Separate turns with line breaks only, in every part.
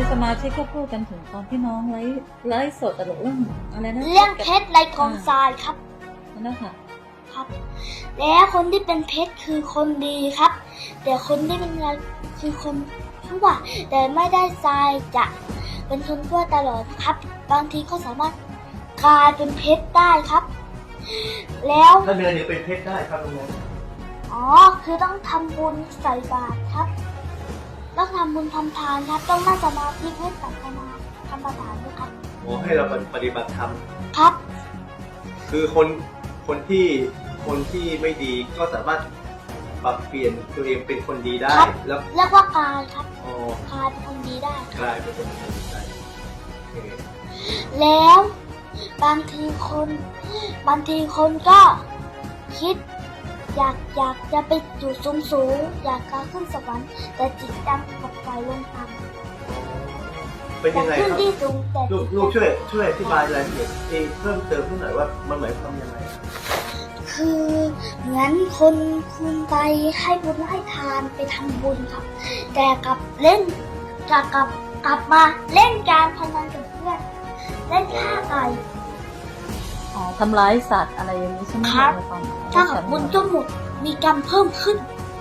สมาชิกก็พูดกันถึงตอนที่น้องไลฟ์สดตลกเรื่องอะไรนะ
เรื่องเพชรในกองทรายครับ
นั่นนะคะ
ครับแล้วคนที่เป็นเพชรคือคนดีครับแต่คนที่เป็นอะไรคือคนชั่วแต่ไม่ได้ทรายจะเป็นคนชั่วตลอดครับบางทีก็สามารถกลายเป็นเพชรได้ครับแล้ว
ถ้าเนื้อเนี่ยเป็นเพชรได้ครับลุงนะ
อ๋อคือต้องทำบุญใส่บาตรครับต้องทำบุญทำทานครับต้องนั่งสมาธิให้ศาสนาธรรมฐานด้วยครับ
โอ้ให้เราปฏิบัติธรรม
ครับ
คือคนที่ไม่ดีก็สามารถปรับเปลี่ยนตัวเองเป็นคนดีได้
แล้วเรียกว่ากายครับกายเป็นคนดีได้
กายเป็นคนดีได้
แล้วบางทีคนก็คิดอยากจะไปอยู่สูงอยากจะขึ้นสวรรค์แต่จิตดำกับใจลงต่ำ
เป็นยังไงครับลูกช่วยอธิบายรายละเอียดเพิ่มเติมหน่อยว่ามันหมายความยังไง
คือเหมือนคนคุณไปให้บุญให้ทานไปทำบุญครับแต่กลับมาเล่นการพนันกับเพื่อนเล่นฆ่าไก่
ทำร้ายสัตว์อะไรอย่างนี้ใช่ไหม
ครับถ้ากับบุญก็หมดมีกรรมเพิ่มขึ้น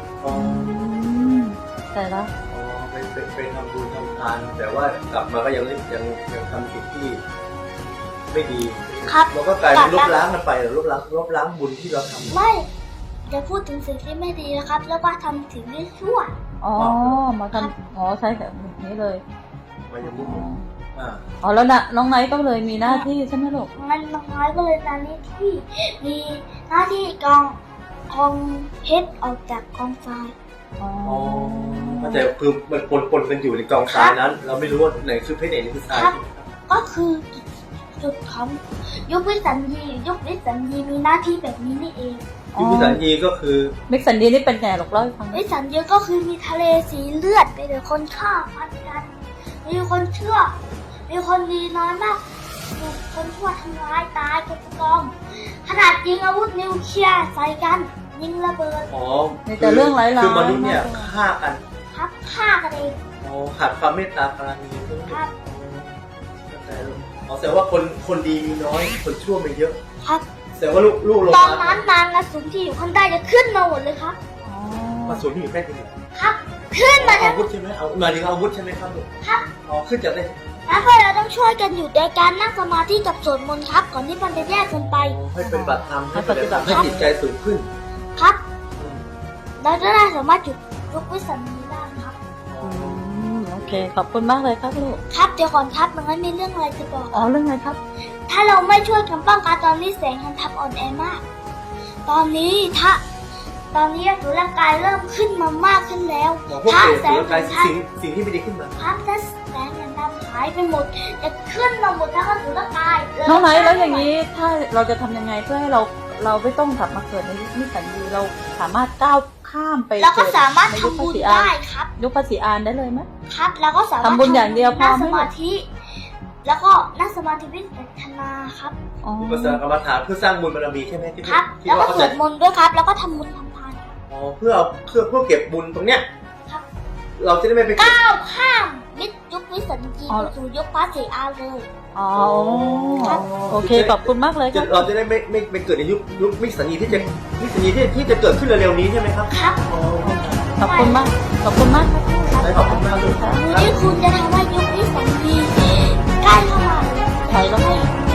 แต่ละ
ไปทำบุญทำทานแต่ว่ากลับมาก็ยังทำสิ่งที่ไม่ดีเราก็กลายเป็นลบล้างกันไปหรือลบล้างบุญที่เราทำ
ไม่จะพูดถึงสิ่งที่ไม่ดีนะครับแล้วว่าทำสิ่งที่ชั่ว
มาทำใช่แบบนี้เลย
มาอย่างนี้
แล้วนะน้องไนท์ก็เลยมีหน้าที่ใช่ไหมลูก
งั้นน้องไนท์ก็เลยตอนนี้ที่มีหน้าที่กองเพชรออกจากกองทราย
แต่คือมันปนกันอยู่ในกองทรายนั้นเราไม่รู้ว่าไหนคือเพชรไหนคือทราย
ก็คือจุดของยุควิสัญญีมีหน้าที่แบบนี้นี่เอง
ยุควิสัญญีก็คือ
วิสัญญีนี่เป็นไงหรอกเล่าให้ฟัง
วิสัญญีก็คือมีทะเลสีเลือดไปเลยคนฆ่าฟันกันมีคนเชื่อมีคนดีน้อยมากคนชั่วทำร้ายตายกันกองขนาดยิงอาวุธนิวเคลียร์ใส่กันยิงระเบิด
แต่เรื่องร้ายๆ
คือมนุษย์เนี่ยฆ่ากัน
ครับฆ่ากันเอง
ขาดความเมตตาปราณี
ครับ
แสดงว่าคนดีมีน้อยคนชั่วมีเยอะ
ครับ
แสดงว่าลูกลง
ตอนนั้นนางอสูรที่อยู่ข้างใต้จะขึ้นมาหมดเลยครับ
อสูรที่อยู่ใกล้ที่ไหน
ครับขึ้นมา
อาวุธใช่ไหมมาถึงอาวุธใช่ไหมครับลูก
ครับ
ขึ้นจากไหน
แล้วพวกเราต้องช่วยกันอยู่ในการนั่งสมาธิกับสวดมนต์ครับก่อนที่มันจะแยกกันไป
ให้เป็นบัตรธรรมให้ปฏิบัติให้จิตใจสูงขึ้น
ครับเราจะได้สามารถหยุดยุควิสัญญีได้ครับ
โอเคขอบคุณมากเลยครับลูก
ครับเดี๋ยวก่อนครับมันมีเรื่องอะไรจะบอก
เรื่องอะไรครับ
ถ้าเราไม่ช่วยกันป้องกันตอนนี้แสงทันทับอ่อนแอมากตอนนี้ตัวร่างกายเริ่มขึ้นมามากขึ้นแล้ว
ถ้าแสงทันทับสิ่งที่ไม่ดีขึ้นมา
ครับถ้าแสงทันทับหายไปหมดจะขึ้นมาหมดทั้งตัวร่างกาย
น้องไหนแล้วอย่างนี้ถ้าเราจะทำยังไงเพื่อให้เราไม่ต้องกลับมาเกิดในยุควิสัญญีเราสามารถก้าวข้ามไป
เราก็สามารถทำบุญได้ครับ
ยุคภาษีอานได้เลยไหม
ครับเราก็สามารถ
ทำบุญอย่างเดียวพอ
สมาธิแล้วก็นั่งสมาธิวิปัสสนาครับ
วิปัสสนากรรมฐานเพื่อสร้างบุญบารมีใช่ไหมที่
ครับแล้วก็สวดมนต์ด้วยครับแล้วก็ทำบุญทำทาน
เพื่อเก็บบุญตรงเนี้ย
ครับ
เราจะได้ไม่ไป
ก้าวข้ามยุควิสัญญีไปสู่ยุคภาษีอานเลย
โอเคขอบคุณมากเลยครับ
เราจะได้ไม่เกิดในยุควิสัญญีที่จะเกิดขึ้นเร็วๆนี้ใช่ไหมครับ
ครับ
ขอบคุณมากครับ
ขอบคุณมากเลย
ที่คุณจะทำให้ยุควิสัญญีใกล้เข้ามา
ถอยแล้ว